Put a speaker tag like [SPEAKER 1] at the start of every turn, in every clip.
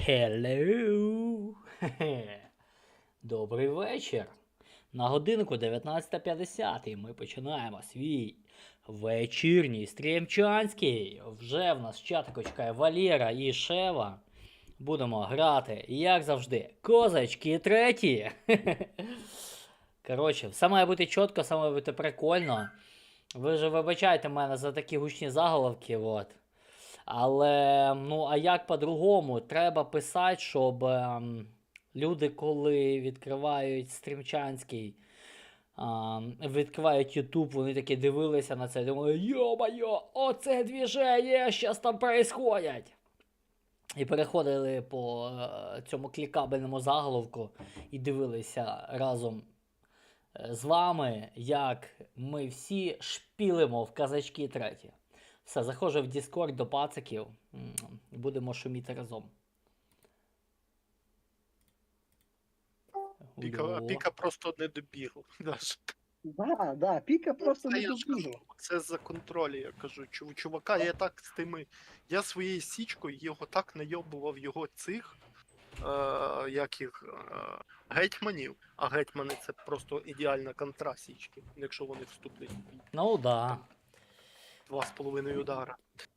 [SPEAKER 1] Hello! Добрий вечір. На годинку 19:50 і ми починаємо свій вечірній стрімчанський. Вже в нас чатику чекає Валера і Шева. Будемо грати, як завжди, козачки треті. Коротше, все має бути чітко, все має бути прикольно. Ви ж вибачайте мене за такі гучні заголовки, от. Але, ну, а як по-другому? Треба писати, щоб люди, коли відкривають стрімчанський, відкривають YouTube, вони такі дивилися на це і думали, йо-майо, оце двіження, щас там происходять. І переходили по цьому клікабельному заголовку і дивилися разом з вами, як ми всі шпілимо в казачки треті. Все, заходжу в Discord до пациків. Будемо шуміти разом.
[SPEAKER 2] Піка просто не добігла.
[SPEAKER 3] Да, Піка просто
[SPEAKER 2] Це
[SPEAKER 3] не
[SPEAKER 2] я ж кажу,
[SPEAKER 3] добігла.
[SPEAKER 2] це за контролі, я кажу. Чувака, я так з тими. Я своєю січкою його так найобував його цих гетьманів. А гетьмани це просто ідеальна контра січки, якщо вони вступлять в бій.
[SPEAKER 1] Ну да.
[SPEAKER 2] 2,5 удара.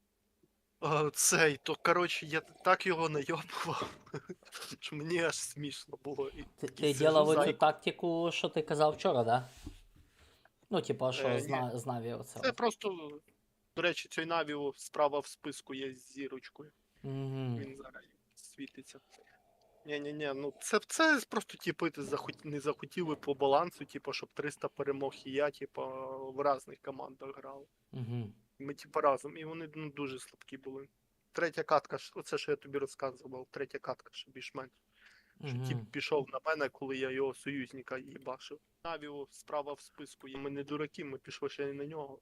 [SPEAKER 2] То коротше, я так його найобував, що мені аж смішно було.
[SPEAKER 1] Ти ділав оцю тактику, що ти казав вчора, да? Ну, типа, що
[SPEAKER 2] Ні.
[SPEAKER 1] з Наві оце.
[SPEAKER 2] Це просто, до речі, цей Навіо справа в списку є з зірочкою.
[SPEAKER 1] Угу.
[SPEAKER 2] Він зараз світиться. Ні, ну це просто, типу, не захотіли по балансу, типу, щоб 300 перемог і я, типу, в різних командах грав.
[SPEAKER 1] Угу.
[SPEAKER 2] Ми, типу, разом, і вони дуже слабкі були. Третя катка, оце, що я тобі розказував, третя катка, що більш-менш. Що тип пішов на мене, коли я його союзника їбашив. Навіо справа в списку. Ми не дураки, ми пішли ще й на нього.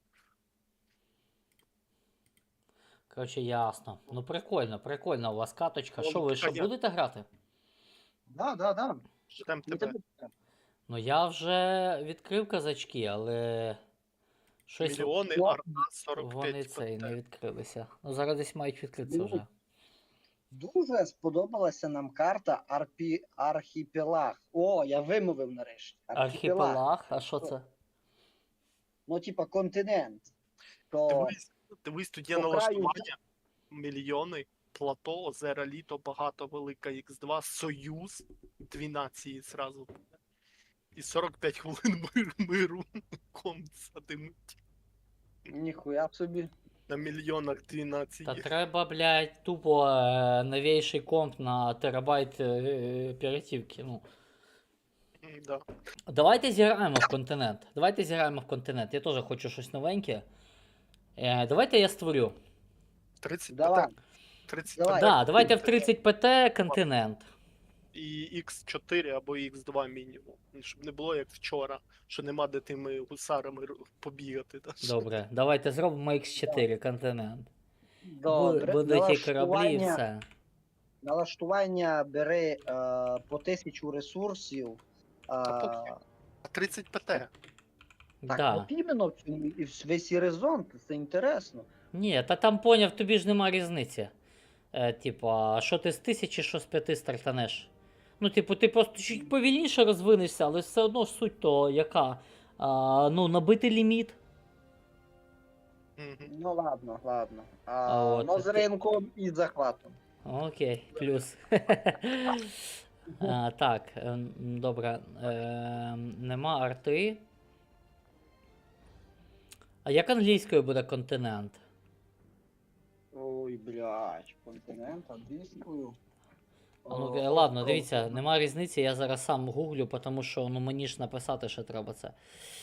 [SPEAKER 1] Коротше, ясно. Ну прикольно у вас каточка.
[SPEAKER 2] Ну,
[SPEAKER 1] Що ви що
[SPEAKER 2] понятно.
[SPEAKER 1] будете грати?
[SPEAKER 3] Да.
[SPEAKER 2] Ждем
[SPEAKER 3] Ми
[SPEAKER 2] тебе.
[SPEAKER 3] тебе-
[SPEAKER 1] Ну я вже відкрив казачки, але щось
[SPEAKER 2] Мільйони,
[SPEAKER 3] О,
[SPEAKER 2] арна, 45
[SPEAKER 1] вони це і не відкрилися. Ну зараз десь мають відкритися
[SPEAKER 3] Ну,
[SPEAKER 1] вже.
[SPEAKER 3] Дуже сподобалася нам карта Архіпелаг. О, я вимовив нарешті.
[SPEAKER 1] Архіпелаг? А що це?
[SPEAKER 3] Ну, типа континент. То
[SPEAKER 2] Дивись, тут є
[SPEAKER 3] по краю-
[SPEAKER 2] налаштування, мільйони, плато, озера, літо, багато, велика, Х2, Союз, 2 нації зразу. І 45 хвилин миру садимуть.
[SPEAKER 3] ніхуя собі.
[SPEAKER 2] На мільйонах 2 нації.
[SPEAKER 1] Та треба, блядь, тупо новейший комп на терабайт оперативки. Ну.
[SPEAKER 2] Да.
[SPEAKER 1] Давайте зіграємо в континент. Я теж хочу щось новеньке. Давайте я створю.
[SPEAKER 2] 30
[SPEAKER 3] Давай.
[SPEAKER 2] ПТ. 30
[SPEAKER 3] Давай.
[SPEAKER 2] ПТ.
[SPEAKER 1] Да, давайте в 30 ПТ континент.
[SPEAKER 2] І Х4 або Х2 мінімум. Щоб не було як вчора, що нема де тими гусарами побігати. Да?
[SPEAKER 1] Добре, давайте зробимо Х4 континент.
[SPEAKER 3] Добре.
[SPEAKER 1] Будуть і кораблі, і все.
[SPEAKER 3] Налаштування бери по 1000 ресурсів.
[SPEAKER 2] Та А 30 ПТ.
[SPEAKER 3] Так,
[SPEAKER 1] Да.
[SPEAKER 3] от іменно в цьому і весь і резон, це інтересно.
[SPEAKER 1] Ні, та там поняв, тобі ж нема різниці. Типа, що ти з 1000, що з 5 стартанеш. Ну, типу, ти просто чуть повільніше розвинешся, але все одно ж суть то яка. Ну, набити ліміт.
[SPEAKER 2] Мгм.
[SPEAKER 3] Ну ладно.
[SPEAKER 1] от,
[SPEAKER 3] Но з
[SPEAKER 1] ти-
[SPEAKER 3] ринком і захватом.
[SPEAKER 1] Окей, плюс. Так, добре. Нема арти. А як англійською буде континент?
[SPEAKER 3] Ой, блядь, континент англійською.
[SPEAKER 1] Ладно, дивіться, нема різниці, я зараз сам гуглю, тому що ну, мені ж написати ще треба це.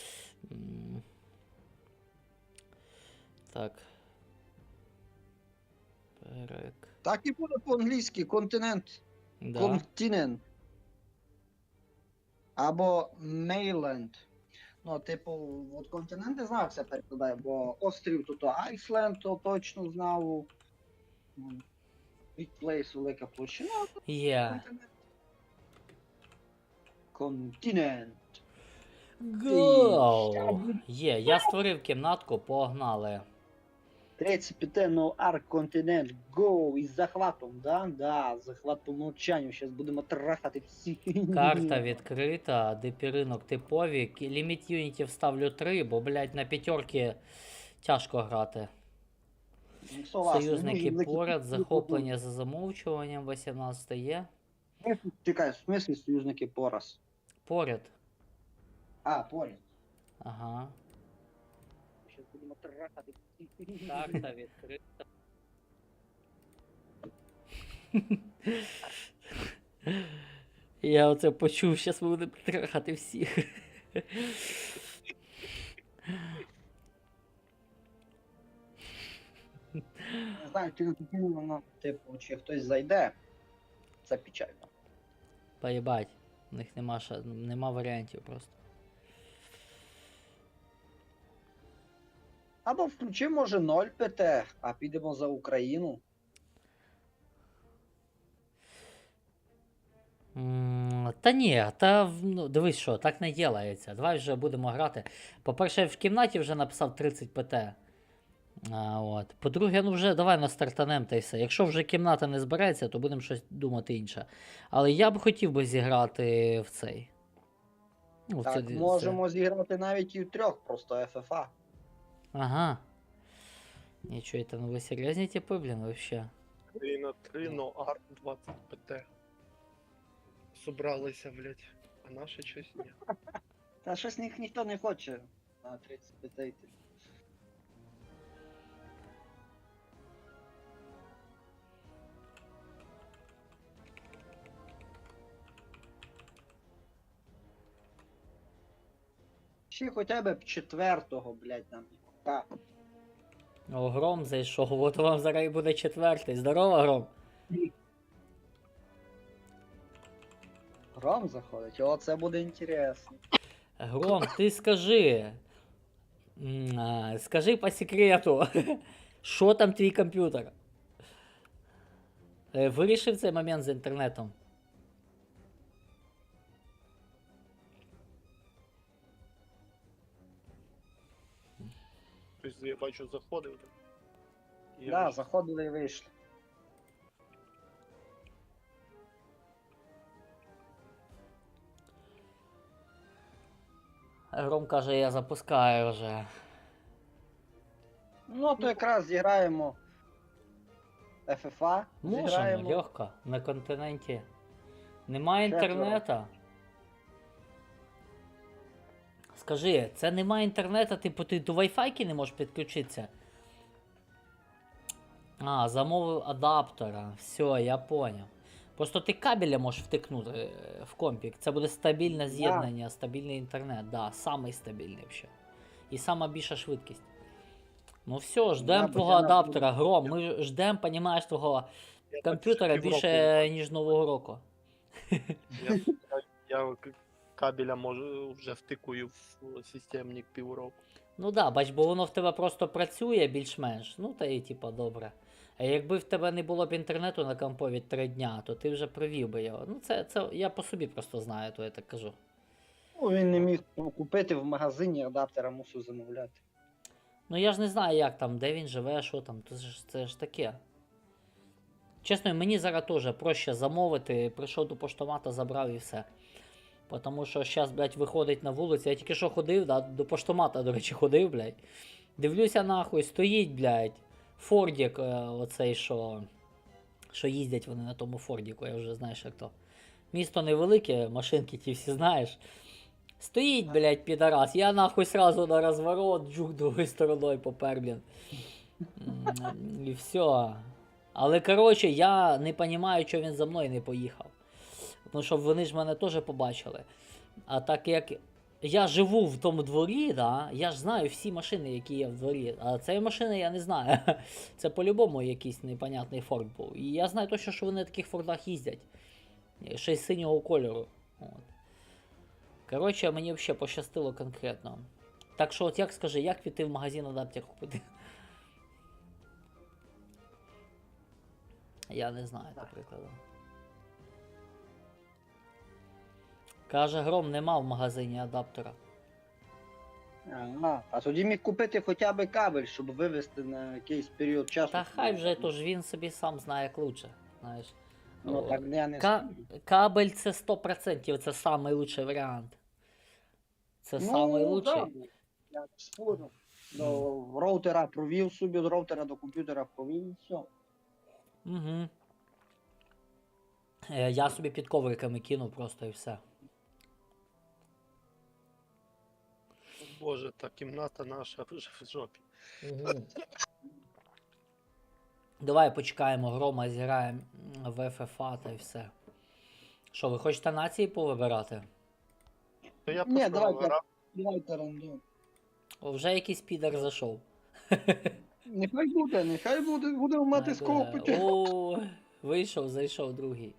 [SPEAKER 1] Так.
[SPEAKER 3] Так і буде по-англійськи континент.
[SPEAKER 1] Да.
[SPEAKER 3] Континент. Або Мейленд. Ну, типу, от континент не знаю, як це перекладає, бо острів тут Айсленд, то точно знав. Big Place, велика площина.
[SPEAKER 1] Є.
[SPEAKER 3] Континент.
[SPEAKER 1] Гоу! Є, я створив кімнатку, погнали.
[SPEAKER 3] 35 no Ark Continent, go! Із захватом, да? Да, захват по умовчанню, зараз будемо трахати всіх.
[SPEAKER 1] Карта відкрита, дипі ринок типові. Ліміт юнітів ставлю 3, бо, блядь, на п'ятерки тяжко грати.
[SPEAKER 3] Ну, согласен,
[SPEAKER 1] Союзники
[SPEAKER 3] ну, і
[SPEAKER 1] поряд,
[SPEAKER 3] закип-
[SPEAKER 1] захоплення за замовчуванням, 18 є.
[SPEAKER 3] Чекай, в смислі союзники пораз?
[SPEAKER 1] Поряд.
[SPEAKER 3] А, поряд.
[SPEAKER 1] Ага.
[SPEAKER 3] Зараз будемо трахати всіх.
[SPEAKER 1] Карта відкрита. Я оце почув, зараз ми будемо трахати всіх.
[SPEAKER 3] Не знаю, чи воно, типу, чи хтось зайде. Це печально.
[SPEAKER 1] Поїбать. У них нема варіантів просто.
[SPEAKER 3] Або включи, може, 0 ПТ, а підемо за Україну.
[SPEAKER 1] Та ні, та ну, дивись що, так не ділається. Давай вже будемо грати. По-перше, я в кімнаті вже написав 30 ПТ. От. По-друге, ну вже давай настартанем та й все. Якщо вже кімната не збереться, то будемо щось думати інше. Але я б хотів би зіграти в цей. Ну, в
[SPEAKER 3] Так,
[SPEAKER 1] це-
[SPEAKER 3] можемо зіграти навіть і в 3, просто ФФА.
[SPEAKER 1] Ага. Нічого, это, ну ви серйозні типи, блін, вообще.
[SPEAKER 2] 3 на 3, но Арк 20 ПТ. Собралися, блядь. А наше щось ні.
[SPEAKER 3] Та щось ніхто не хоче на 30 ПТ йти. Ще хоча б 4-го, блядь, нам. Так.
[SPEAKER 1] О, Гром зайшов, от вам зараз і буде 4-й. Здорово, Гром.
[SPEAKER 3] Гром заходить, о, це буде інтересно.
[SPEAKER 1] Гром, ти скажи. Скажи по секрету, що там твій комп'ютер? Вирішив цей момент з інтернетом?
[SPEAKER 2] Тобто я бачу, заходив. Так. Я
[SPEAKER 3] Да,
[SPEAKER 2] вийшов.
[SPEAKER 3] заходили і вийшли.
[SPEAKER 1] Гром каже, я запускаю вже.
[SPEAKER 3] Ну, то якраз зіграємо ФФА.
[SPEAKER 1] Можемо,
[SPEAKER 3] Зіграємо.
[SPEAKER 1] легко, на континенті. Немає
[SPEAKER 3] Четверо.
[SPEAKER 1] інтернету. Скажи, це немає інтернету, типу ти до Wi-Fi не можеш підключитися? А, замовив адаптера. Все, я поняв. Просто ти кабеля можеш втикнути в компік. Це буде стабільне з'єднання, стабільний інтернет. Да, самий стабільний взагалі. І сама більша швидкість. Ну все, ждемо
[SPEAKER 3] бо
[SPEAKER 1] твого
[SPEAKER 3] я на-
[SPEAKER 1] адаптера, Гром. Ми ждемо, понімаєш, твого
[SPEAKER 2] Я
[SPEAKER 1] комп'ютера
[SPEAKER 2] так півроку
[SPEAKER 1] більше, ніж Нового року.
[SPEAKER 2] Я кабеля можу вже втикую в системник півроку.
[SPEAKER 1] Ну да, бач, бо воно в тебе просто працює більш-менш. Ну та і типа добре. А якби в тебе не було б інтернету на компові 3 дня, то ти вже провів би його. Ну це я по собі просто знаю, то я так кажу.
[SPEAKER 3] Ну, він не міг купити в магазині адаптера, мусив замовляти.
[SPEAKER 1] Ну я ж не знаю, як там, де він живе, що там, це ж таке. Чесно, мені зараз теж проще замовити, прийшов до поштомата, забрав і все. Тому що зараз, блядь, виходить на вулицю. Я тільки що ходив, да, до поштомата, до речі, ходив, блядь. Дивлюся нахуй, стоїть, блядь, Фордік, оцей, що їздять вони на тому Фордіку, я вже знаєш як то. Місто невелике, машинки ті всі знаєш. Стоїть, блядь, підарас, я нахуй сразу на розворот, джук другою стороною попер, блін. І все. Але коротше, я не розумію, чого він за мною не поїхав. Тому що вони ж мене теж побачили. А так як я живу в тому дворі, да, я ж знаю всі машини, які є в дворі. А цієї машини я не знаю. Це по-любому якийсь непонятний Форд був. І я знаю точно, що вони на таких Фордах їздять. Ще й синього кольору. От. Коротше, мені взагалі пощастило конкретно. Так що, от як скажи, як піти в магазин адаптер купити? Я не знаю, наприклад. Каже, Гром, нема в магазині адаптера.
[SPEAKER 3] Ага. А тоді міг купити хоча б кабель, щоб вивести на якийсь період часу.
[SPEAKER 1] Та хай вже, то ж він собі сам знає як лучше. Знаєш.
[SPEAKER 3] Ну
[SPEAKER 1] О,
[SPEAKER 3] так я не
[SPEAKER 1] Ка-
[SPEAKER 3] знаю.
[SPEAKER 1] кабель це 100%, це самий лучший варіант. Це самий лучший.
[SPEAKER 3] да, я не спорю. До роутера провів собі, з роутера до комп'ютера провів і все.
[SPEAKER 1] Угу. Я собі під ковриками кинув просто і все.
[SPEAKER 2] Боже, та кімната наша вже в жопі.
[SPEAKER 1] Давай почекаємо грома, зіграємо в ФФА та й все. Що, ви хочете нації повибирати?
[SPEAKER 2] То я
[SPEAKER 3] Ні,
[SPEAKER 2] просто
[SPEAKER 3] давайте.
[SPEAKER 2] вибирав.
[SPEAKER 3] Давайте рандом.
[SPEAKER 1] О, вже якийсь підер зайшов.
[SPEAKER 3] Нехай буде, будемо мати з кого пити.
[SPEAKER 1] О, вийшов, зайшов другий.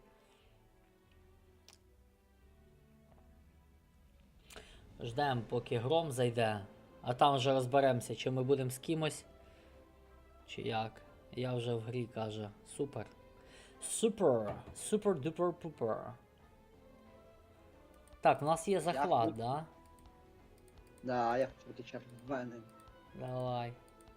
[SPEAKER 1] Ждемо, поки гром зайде, а там вже розберемося, чи ми будемо з кимось, чи як. Я вже в грі каже. Супер. Супер. Супер дупер пупер. Так, у нас є захват,
[SPEAKER 3] Дякую.
[SPEAKER 1] да?
[SPEAKER 3] Да, я хочу бути червоним.
[SPEAKER 1] Давай.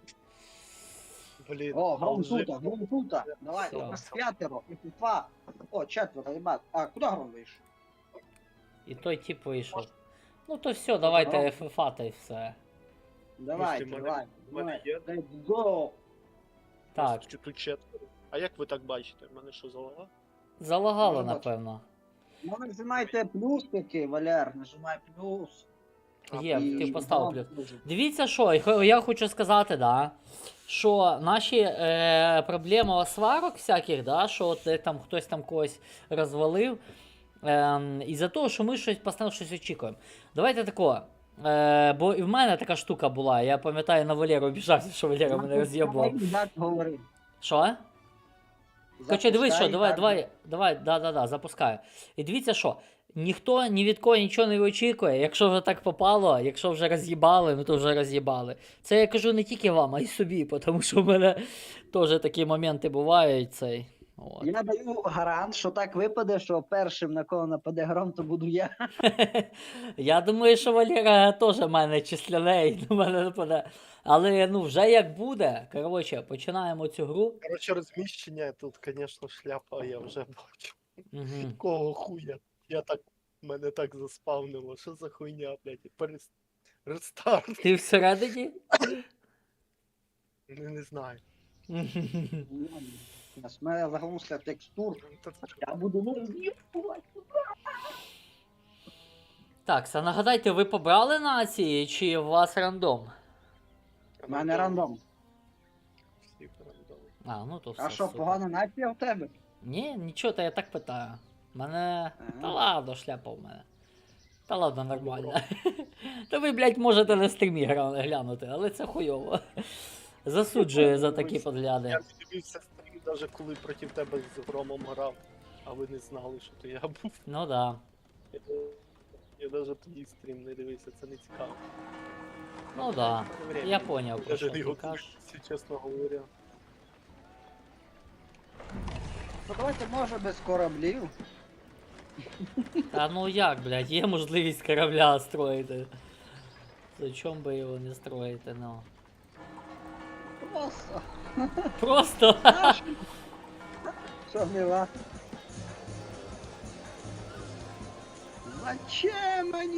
[SPEAKER 2] Блін,
[SPEAKER 3] О, гром
[SPEAKER 2] алжир.
[SPEAKER 3] тута. Давай,
[SPEAKER 1] Всё.
[SPEAKER 3] у нас п'ятеро, і два. О, четверо, ребят. А, куди гром вийшов?
[SPEAKER 1] І той тип вийшов. Ну то все, давайте
[SPEAKER 3] Гром.
[SPEAKER 1] ФФА та й все.
[SPEAKER 3] Давай,
[SPEAKER 2] мене-
[SPEAKER 3] давай.
[SPEAKER 2] в мене
[SPEAKER 3] Давай.
[SPEAKER 2] є.
[SPEAKER 3] Let's go.
[SPEAKER 1] Так,
[SPEAKER 2] Чи тут четверо. А як ви так бачите? В мене що залага?
[SPEAKER 1] залагало,
[SPEAKER 3] Може, бачу.
[SPEAKER 1] напевно.
[SPEAKER 3] Ну, нажимайте плюсики, Валер, нажимай плюс.
[SPEAKER 1] Є,
[SPEAKER 3] І
[SPEAKER 1] ти поставив
[SPEAKER 3] гром
[SPEAKER 1] плюс.
[SPEAKER 3] дуже.
[SPEAKER 1] Дивіться, що я хочу сказати, да, що наші проблеми сварок всяких, да, що от там хтось там когось розвалив, із-за того, що ми постійно щось очікуємо. Давайте тако. Бо і в мене така штука була, я пам'ятаю, на Валеру обіжався, що Валера мене роз'єбував.
[SPEAKER 3] Так говори.
[SPEAKER 1] Що? Хоча дивись, що,
[SPEAKER 3] Запускай,
[SPEAKER 1] давай, да, запускаю. І дивіться, що ніхто ні від кого нічого не очікує. Якщо вже так попало, якщо вже роз'їбали, ну то вже роз'їбали. Це я кажу не тільки вам, а й собі, тому що в мене теж такі моменти бувають. Цей. От.
[SPEAKER 3] Я даю гарант, що так випаде, що першим на кого нападе гром, то буду я.
[SPEAKER 1] Я думаю, що Валера теж в мене числяне і до мене нападе. Але ну вже як буде, коротше, починаємо цю гру.
[SPEAKER 2] Коротше, розміщення тут, звісно, шляпа, я вже бачу.
[SPEAKER 1] Угу.
[SPEAKER 2] Кого хуя? Мене так заспавнило. Що за хуйня, блядь? Рестарт.
[SPEAKER 1] Ти всередині?
[SPEAKER 2] Не знаю.
[SPEAKER 3] У мене загрузка текстур. Я буду роз'їбувати.
[SPEAKER 1] Так, а нагадайте, ви побрали нації чи у вас рандом?
[SPEAKER 3] У мене рандом.
[SPEAKER 2] Всі рандом.
[SPEAKER 1] А, ну то все.
[SPEAKER 3] А що,
[SPEAKER 1] супер.
[SPEAKER 3] погана нація в тебе?
[SPEAKER 1] Ні, нічого, та я так питаю. Мене.
[SPEAKER 3] Ага.
[SPEAKER 1] Та ладно, шляпа в мене. Та ладно, нормально. Та ви, блядь, можете на стрімі глянути, але це хуйово. Засуджую за такі
[SPEAKER 2] Я
[SPEAKER 1] подгляди.
[SPEAKER 2] не дивився стрім, навіть коли проти тебе з громом грав, а ви не знали, що то я був.
[SPEAKER 1] Ну да.
[SPEAKER 2] Я навіть тоді стрім не дивився, це не цікаво.
[SPEAKER 1] Ну да.
[SPEAKER 2] Время.
[SPEAKER 1] Я поняв, про
[SPEAKER 2] Даже
[SPEAKER 1] що
[SPEAKER 2] не
[SPEAKER 1] ти
[SPEAKER 2] його
[SPEAKER 1] кажеш.
[SPEAKER 2] дивився, чесно говоря.
[SPEAKER 3] Ну давайте може без кораблів.
[SPEAKER 1] Та ну як, блядь, є можливість корабля строїти. Зачем би його не строїти, ну.
[SPEAKER 3] Просто.
[SPEAKER 1] Просто.
[SPEAKER 3] Що мила? Зачем мені?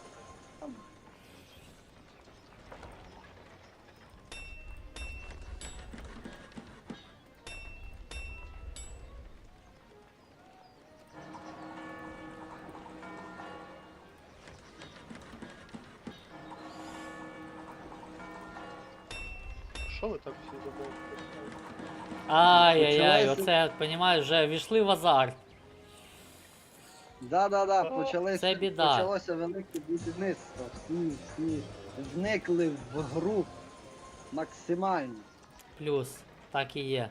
[SPEAKER 2] Що ви так всі забули?
[SPEAKER 1] Ай-яй-яй,
[SPEAKER 3] Почалося.
[SPEAKER 1] оце, понімаєш, вже війшли в азарт.
[SPEAKER 3] Да,
[SPEAKER 2] О,
[SPEAKER 3] почалося,
[SPEAKER 1] це біда.
[SPEAKER 3] почалося велике будівництво. Всі вникли в гру максимально.
[SPEAKER 1] Плюс, так і є.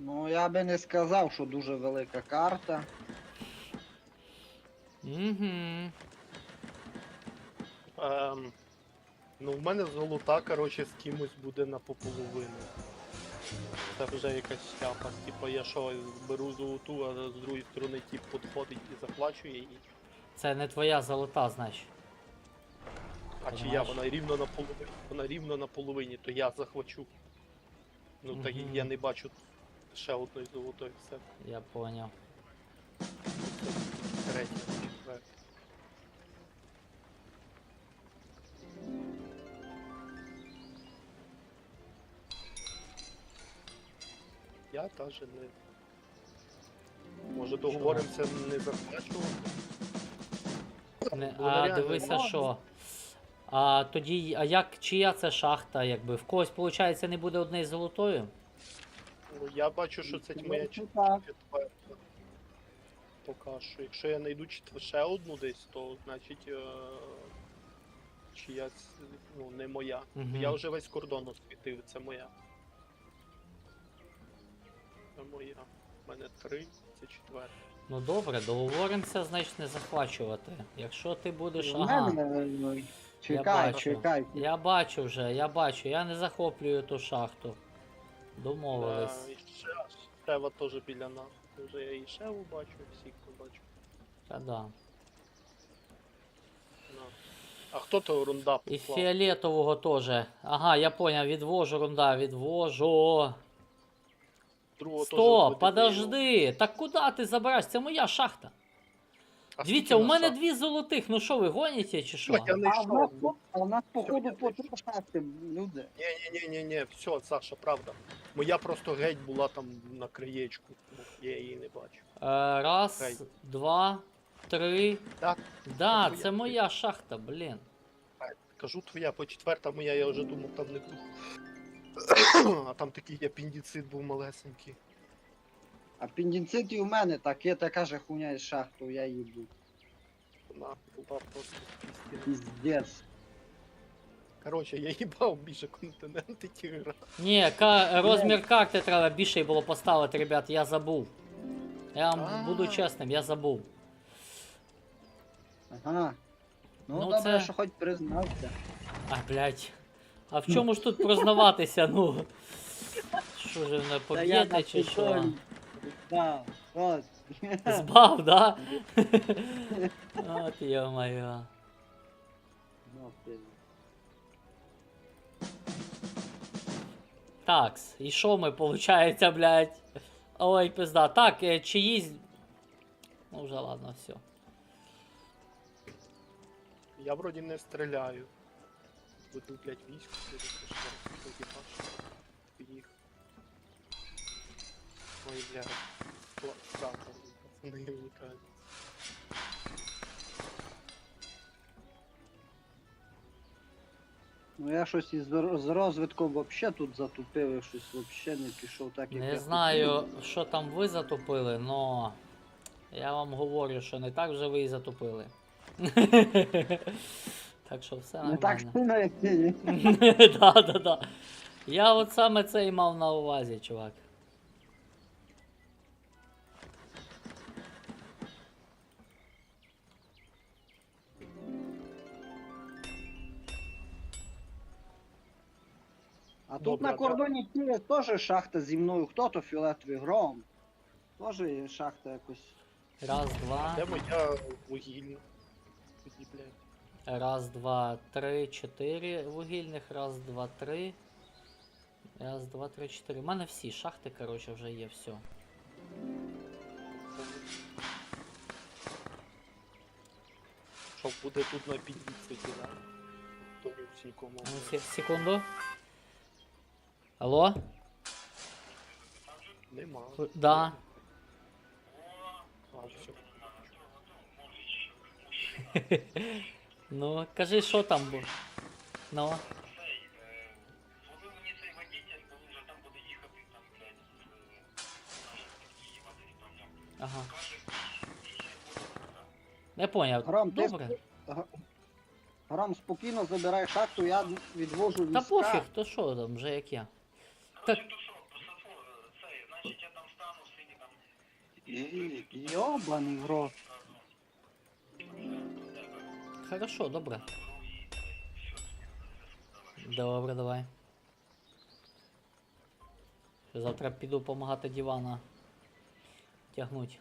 [SPEAKER 3] Ну, я би не сказав, що дуже велика карта.
[SPEAKER 1] Угу.
[SPEAKER 2] Ну, в мене золота, коротше, з кимось буде на пополовину. Це вже якась шляпа. Типа я що, беру золоту, а з другої сторони тип підходить і захвачує її.
[SPEAKER 1] Це не твоя золота, значить.
[SPEAKER 2] А чи я,
[SPEAKER 1] Понимаєш?
[SPEAKER 2] вона рівно на половині, вона рівно на половині, то я захвачу. Ну так
[SPEAKER 1] Мгм.
[SPEAKER 2] я не бачу ще одної золотої, все.
[SPEAKER 1] Я поняв.
[SPEAKER 2] Третя, четверта. Я теж не. Може договоримося не захвачувати?
[SPEAKER 1] Не,
[SPEAKER 2] Вона
[SPEAKER 1] а
[SPEAKER 2] реально
[SPEAKER 1] дивися,
[SPEAKER 2] мала.
[SPEAKER 1] що. А тоді, а як, чия це шахта, якби? В когось, виходить, не буде однієї золотої?
[SPEAKER 2] Ну, я бачу, що це моя
[SPEAKER 3] Ну, так.
[SPEAKER 2] четверта. Поки що. Якщо я знайду ще одну десь, то значить чиясь, ну, не моя.
[SPEAKER 1] Мгм.
[SPEAKER 2] Я вже весь кордон освітив, це моя. Це моя. У мене 3, це четверта.
[SPEAKER 1] Ну добре, договоримося, значить не захвачувати. Якщо ти будеш.
[SPEAKER 3] В
[SPEAKER 1] Ага.
[SPEAKER 3] мене,
[SPEAKER 1] Я
[SPEAKER 3] чекай,
[SPEAKER 1] бачу.
[SPEAKER 3] чекай.
[SPEAKER 1] Я бачу вже, я не захоплюю ту шахту. Домовились.
[SPEAKER 2] І Шева теж біля нас. Вже я і Шеву бачу, всіх бачу.
[SPEAKER 1] Та да.
[SPEAKER 2] На. А хто то рунда
[SPEAKER 1] І
[SPEAKER 2] послав?
[SPEAKER 1] фіолетового теж. Ага, я поняв, відвожу, рунда, відвожу.
[SPEAKER 2] Другого теж
[SPEAKER 1] Стоп,
[SPEAKER 2] буде
[SPEAKER 1] подожди. Так куди ти забираєш? Це моя шахта.
[SPEAKER 2] А
[SPEAKER 1] Дивіться,
[SPEAKER 2] скільки
[SPEAKER 1] у
[SPEAKER 2] нас
[SPEAKER 1] мене
[SPEAKER 2] шахт?
[SPEAKER 1] 2 золотих. Ну що ви гоніте чи що?
[SPEAKER 2] Я не
[SPEAKER 3] А в нас,
[SPEAKER 2] йшов.
[SPEAKER 3] походу
[SPEAKER 2] я
[SPEAKER 3] по
[SPEAKER 2] знайшов.
[SPEAKER 3] 3 шахти, люди.
[SPEAKER 2] Ні, все, Саша, правда. Моя просто геть була там на краєчку. Я її не бачу.
[SPEAKER 1] Раз,
[SPEAKER 2] Хай.
[SPEAKER 1] 2, 3.
[SPEAKER 2] Так,
[SPEAKER 1] Да,
[SPEAKER 2] твоя.
[SPEAKER 1] це моя шахта, блін.
[SPEAKER 2] кажу твоя, по четверта моя, я вже думав, там не буду. А там такий апендицит був малесенький.
[SPEAKER 3] Апендицит і у мене, так є така же хуйня із шахту, я їду.
[SPEAKER 2] Вона була просто пістіна.
[SPEAKER 3] Піздец.
[SPEAKER 2] Коротше, я їбав більше континенти ті гра.
[SPEAKER 1] Ні, розмір карти треба більше було поставити, ребят, я забув. Я вам буду чесним, я забув.
[SPEAKER 3] Ага. Ну,
[SPEAKER 1] Ну,
[SPEAKER 3] добре,
[SPEAKER 1] це-
[SPEAKER 3] що хоч признався.
[SPEAKER 1] А, блядь. А в чому ж тут прознаватися, ну? Що ж, не поб'єте чи що?
[SPEAKER 3] Да, от.
[SPEAKER 1] Збав, да? От йо-моє.
[SPEAKER 3] Ну, ти.
[SPEAKER 1] Такс, і що ми, получається, блядь? Ой, пизда. Так, чиїсь... Ну вже ладно, все.
[SPEAKER 2] Я вроді не стріляю. Буду, блядь, військо, тоді їх. Ой, блядь. Страта, пацани вникають.
[SPEAKER 3] Ну я щось з розвитком вообще тут затупив, і щось вообще не пішов так, як
[SPEAKER 1] Не
[SPEAKER 3] я
[SPEAKER 1] знаю, що там ви затопили, но я вам говорю, що не так вже ви і затопили. Так що все
[SPEAKER 3] хотів. Не так
[SPEAKER 1] нормально.
[SPEAKER 3] сильно, як ти.
[SPEAKER 1] Да. Я от саме це і мав на увазі, чувак.
[SPEAKER 3] А тут
[SPEAKER 2] Добре,
[SPEAKER 3] на
[SPEAKER 2] да.
[SPEAKER 3] кордоні Києва теж шахта зі мною. Хто то фіолетовий гром? Тоже є шахта якось.
[SPEAKER 1] Раз, два.
[SPEAKER 2] Де моя вугільна? Тоді, блядь.
[SPEAKER 1] Раз, два, три, чотири вугільних. Раз, два, три. Раз, два, три, чотири. У мене всі шахти, коротше, вже є, все.
[SPEAKER 2] Що буде тут на підвісці, да? То нікому.
[SPEAKER 1] Ну, секунду. Алло?
[SPEAKER 2] Нема.
[SPEAKER 1] Да.
[SPEAKER 2] А, все.
[SPEAKER 1] Ну, кажи, що там було. Ну.
[SPEAKER 4] Зловив мені цей водитель, бо він вже там буде їхати, там, блядь, їхати, там,
[SPEAKER 1] Ага.
[SPEAKER 4] каже,
[SPEAKER 1] Не поняв.
[SPEAKER 3] Гром, ти
[SPEAKER 1] Добре.
[SPEAKER 3] Гром, спокійно забирай шахту, я відвожу
[SPEAKER 1] Та
[SPEAKER 3] війська.
[SPEAKER 1] пофіг, то що там, вже як я. Так,
[SPEAKER 4] то що, по сафу, цей, значить, я там
[SPEAKER 3] Йобаний в рот.
[SPEAKER 1] Хорошо, добре. Добре, давай. Завтра піду допомагати дивана тягнуть.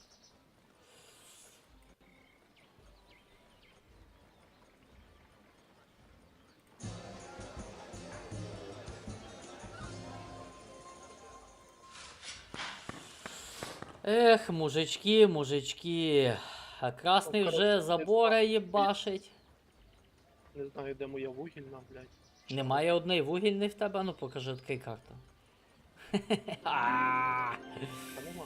[SPEAKER 1] Ех, мужички, мужички. А красний
[SPEAKER 2] Ну,
[SPEAKER 1] вже
[SPEAKER 2] коротше,
[SPEAKER 1] забора їбашить.
[SPEAKER 2] Не знаю, де моя вугільна, блядь.
[SPEAKER 1] Немає одної вугільної в тебе? Ну покажи, відкрий карту. А,
[SPEAKER 2] Та нема.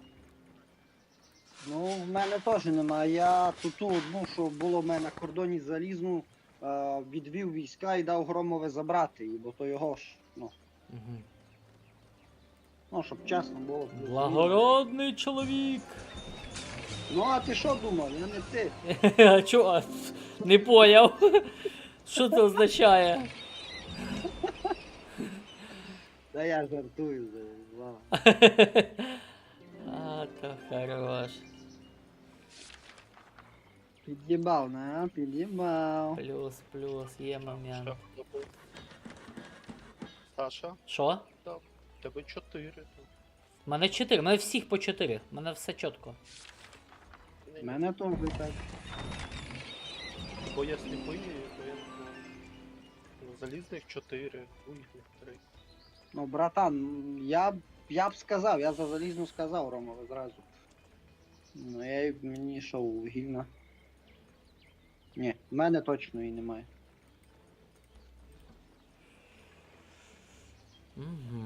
[SPEAKER 3] Ну, в мене теж немає. Я ту одну, що було в мене на кордоні залізну, відвів війська і дав Громове забрати її, бо то його ж,
[SPEAKER 1] мгм.
[SPEAKER 3] ну, щоб чесно було.
[SPEAKER 1] Благородний чоловік.
[SPEAKER 3] Ну, а ти що думав? Я не ти.
[SPEAKER 1] А чо? Не поняв. Що це означає?
[SPEAKER 3] Та я жартую. Ладно.
[SPEAKER 1] А, то хорош.
[SPEAKER 3] Під'їбав, не? Під'їбав.
[SPEAKER 1] Плюс, плюс, є момент.
[SPEAKER 2] Що забув? Саша,
[SPEAKER 1] Що?
[SPEAKER 2] тебе 4.
[SPEAKER 1] У мене 4, у мене всіх по 4. У мене все чітко.
[SPEAKER 3] В мене теж так.
[SPEAKER 2] Бо я сліпий, то я не знаю. Ну, залізних 4, вугільних 3.
[SPEAKER 3] Ну, братан, я б сказав, я за залізну сказав Ромове зразу. Ну, мені що, вугільна. Ні, в мене точно її немає.
[SPEAKER 1] Угу.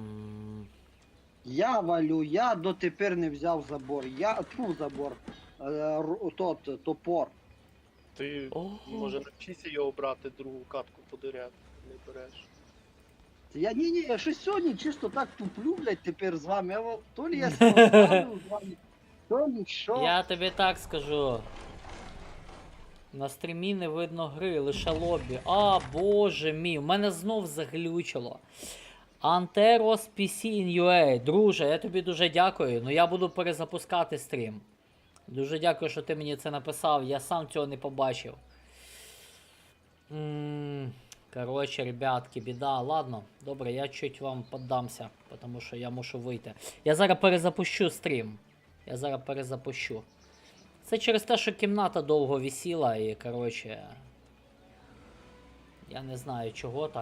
[SPEAKER 3] Я валю, я дотепер не взяв забор. Забор. Топор.
[SPEAKER 2] Ти,
[SPEAKER 1] Ого.
[SPEAKER 2] може, навчися його брати, другу катку подиряти, не береш.
[SPEAKER 3] Ні, я щось сьогодні чисто так туплю, блядь, тепер з вами. То лі я спонтанив з вами, то лі що.
[SPEAKER 1] Я тобі так скажу. На стрімі не видно гри, лише лобі. А, боже мій, у мене знов заглючило. Anteros PC in UA. Друже, я тобі дуже дякую. Ну я буду перезапускати стрім. Дуже дякую, що ти мені це написав. Я сам цього не побачив. Коротше, ребятки, біда. Ладно, добре, я чуть вам поддамся, тому що я мушу вийти. Я зараз перезапущу стрім. Я зараз перезапущу. Це через те, що кімната довго висіла і, коротше. Я не знаю чого так.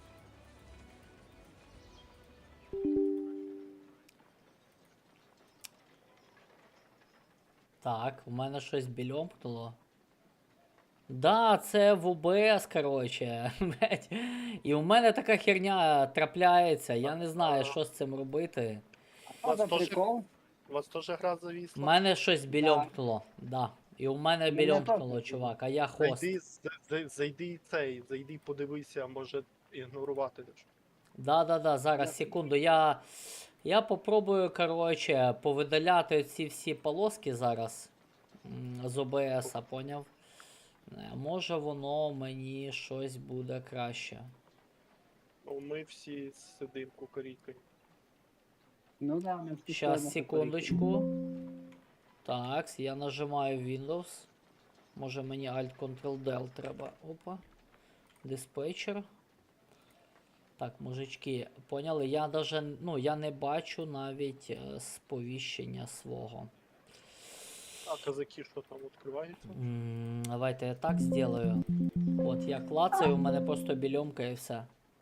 [SPEAKER 1] Так, у мене щось більомкнуло. Да, це в ОБС, коротше. блядь. І у мене така херня трапляється. Я не знаю, що з цим робити.
[SPEAKER 3] А за
[SPEAKER 2] Вас теж-
[SPEAKER 3] прикол?
[SPEAKER 2] У вас теж гра
[SPEAKER 1] У
[SPEAKER 2] завісла?
[SPEAKER 1] мене щось більомкнуло. Да. І у мене
[SPEAKER 3] Мене
[SPEAKER 1] більомкнуло,
[SPEAKER 3] теж.
[SPEAKER 1] чувак, а я хост.
[SPEAKER 2] Зайди зайди подивися, може ігнорувати.
[SPEAKER 1] Да, зараз, секунду. Я попробую, коротше, повидаляти ці всі полоски зараз з ОБС, поняв? Може воно мені щось буде краще.
[SPEAKER 2] Ну, ми всі сидимо кукарікою.
[SPEAKER 3] Ну да, ми всі
[SPEAKER 1] Щас,
[SPEAKER 3] стоїмо
[SPEAKER 1] секундочку. Так, я нажимаю Windows. Може мені Alt-Ctrl-Del треба. Опа. Диспетчер. Так, мужички, поняли? Я даже, ну, я не бачу навіть сповіщення свого.
[SPEAKER 2] А казаки що там відкриваються?
[SPEAKER 1] Давайте я так сделаю. От я клацаю, у мене просто більомка і все.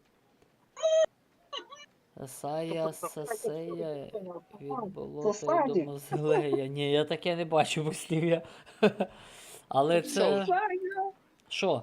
[SPEAKER 1] Сая сесея від болота до мозлея. Ні, я таке не бачу послів'я. Але це. Що?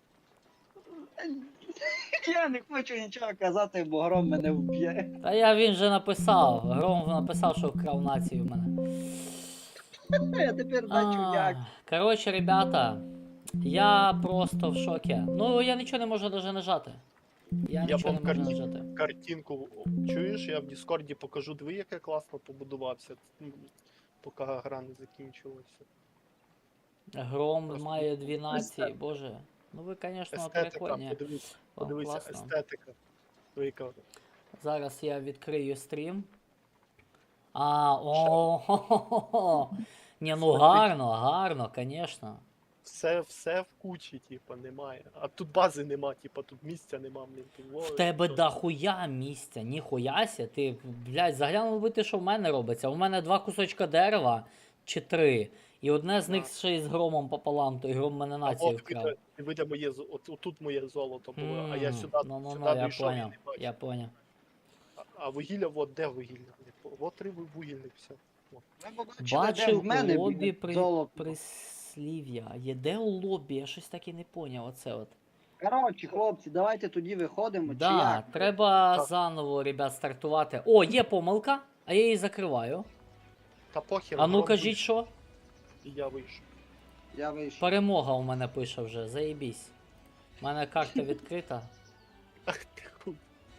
[SPEAKER 3] Я не хочу нічого казати, бо Гром мене вб'є.
[SPEAKER 1] Та він же написав. Гром написав, що вкрав націю в мене.
[SPEAKER 3] Я тепер бачу як.
[SPEAKER 1] Коротше, ребята, я просто в шокі. Ну, я нічого не можу навіть нажати. Я нічого не
[SPEAKER 2] вам
[SPEAKER 1] можу нажати.
[SPEAKER 2] Картинку чуєш, я в Діскорді покажу, диви, як я класно побудувався, поки гра не закінчилася.
[SPEAKER 1] Гром
[SPEAKER 2] Просто
[SPEAKER 1] має 2 нації, боже. Ну ви, звісно,
[SPEAKER 2] Естетика,
[SPEAKER 1] прикольні.
[SPEAKER 2] подивись,
[SPEAKER 1] Вам
[SPEAKER 2] подивися,
[SPEAKER 1] класно.
[SPEAKER 2] естетика. Яка.
[SPEAKER 1] Зараз я відкрию стрім. О-хо-хо-хо. Ні, ну гарно, гарно, звісно.
[SPEAKER 2] Все в кучі, типа, немає. А тут бази нема, типа, тут місця нема, блін.
[SPEAKER 1] В тебе дохуя місця, ніхуяся. Ти, блядь, заглянув би ти, що в мене робиться. У мене 2 кусочка дерева, чи 3. І одне з них ще й з громом пополам, той гром мене націю вкрав.
[SPEAKER 2] Видя моє, отут моє золото було, а я сюди,
[SPEAKER 1] Ну,
[SPEAKER 2] сюди
[SPEAKER 1] я
[SPEAKER 2] дійшов і
[SPEAKER 1] поняв,
[SPEAKER 2] не бачив.
[SPEAKER 1] я поняв.
[SPEAKER 2] А вугілля, от де вугілля? От три вугільник, все.
[SPEAKER 3] Ви побачили, де
[SPEAKER 1] Бачив
[SPEAKER 3] в мене
[SPEAKER 1] у лобі
[SPEAKER 3] біля золота.
[SPEAKER 1] прислів'я. Є де у лобі? Я щось так і не поняв. Оце от.
[SPEAKER 3] Коротше, хлопці, давайте тоді виходимо, чи
[SPEAKER 1] Да,
[SPEAKER 3] як?
[SPEAKER 1] треба
[SPEAKER 2] Так.
[SPEAKER 1] заново, ребят, стартувати. О, є помилка, а я її закриваю.
[SPEAKER 2] Та похер.
[SPEAKER 1] А ну
[SPEAKER 2] гром
[SPEAKER 1] кажіть,
[SPEAKER 2] вийшов,
[SPEAKER 1] що?
[SPEAKER 2] І я вийшов.
[SPEAKER 3] Я вийшов.
[SPEAKER 1] Перемога у мене пише вже, заєбісь. У мене карта відкрита.
[SPEAKER 2] Ах ти хуй.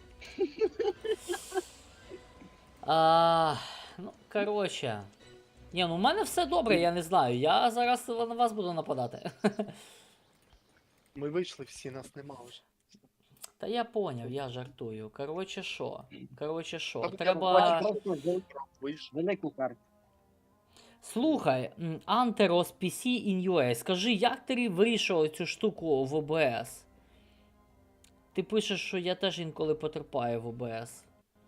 [SPEAKER 1] Ну, коротше. Ні, ну в мене все добре, я не знаю. Я зараз на вас буду нападати.
[SPEAKER 2] Ми вийшли всі, нас нема вже.
[SPEAKER 1] Та я поняв, я жартую. Коротше, що? Коротше, що?
[SPEAKER 2] Та ви
[SPEAKER 1] Треба.
[SPEAKER 3] Просто
[SPEAKER 2] Вийшов.
[SPEAKER 3] велику карту.
[SPEAKER 1] Слухай, Anteros PC in UA, скажи, як ти вирішував цю штуку в OBS? Ти пишеш, що я теж інколи потерпаю в OBS.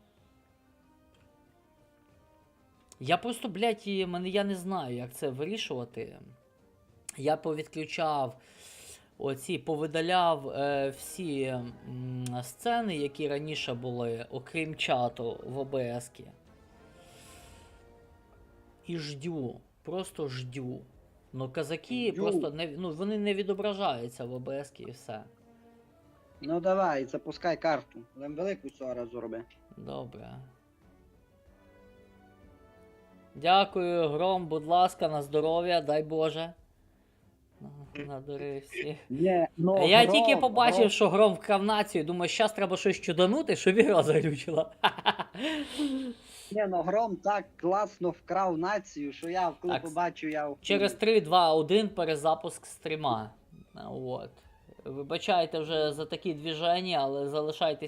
[SPEAKER 1] Я просто, блядь, я не знаю, як це вирішувати. Я повідключав повидаляв всі сцени, які раніше були, окрім чату в OBS-ки. І ждю, просто ждю. Ну, казаки
[SPEAKER 3] Ждю.
[SPEAKER 1] просто вони не відображаються в OBS-ки і все.
[SPEAKER 3] Ну давай, запускай карту. Нам велику цього разу роби.
[SPEAKER 1] Добре. Дякую, Гром, будь ласка, на здоров'я, дай Боже. Надурив всіх.
[SPEAKER 3] Ні, ну,
[SPEAKER 1] Я
[SPEAKER 3] Гром,
[SPEAKER 1] тільки побачив,
[SPEAKER 3] Гром.
[SPEAKER 1] що Гром вкрав націю, думаю, щас треба щось чуданути, щоб ігра заглючила.
[SPEAKER 3] Ні, ну Гром так класно вкрав націю, що я коли
[SPEAKER 1] Так,
[SPEAKER 3] побачив, я
[SPEAKER 1] Через 3, 2, 1 перезапуск стріма. От. Вибачайте вже за такі движення, але залишайтесь.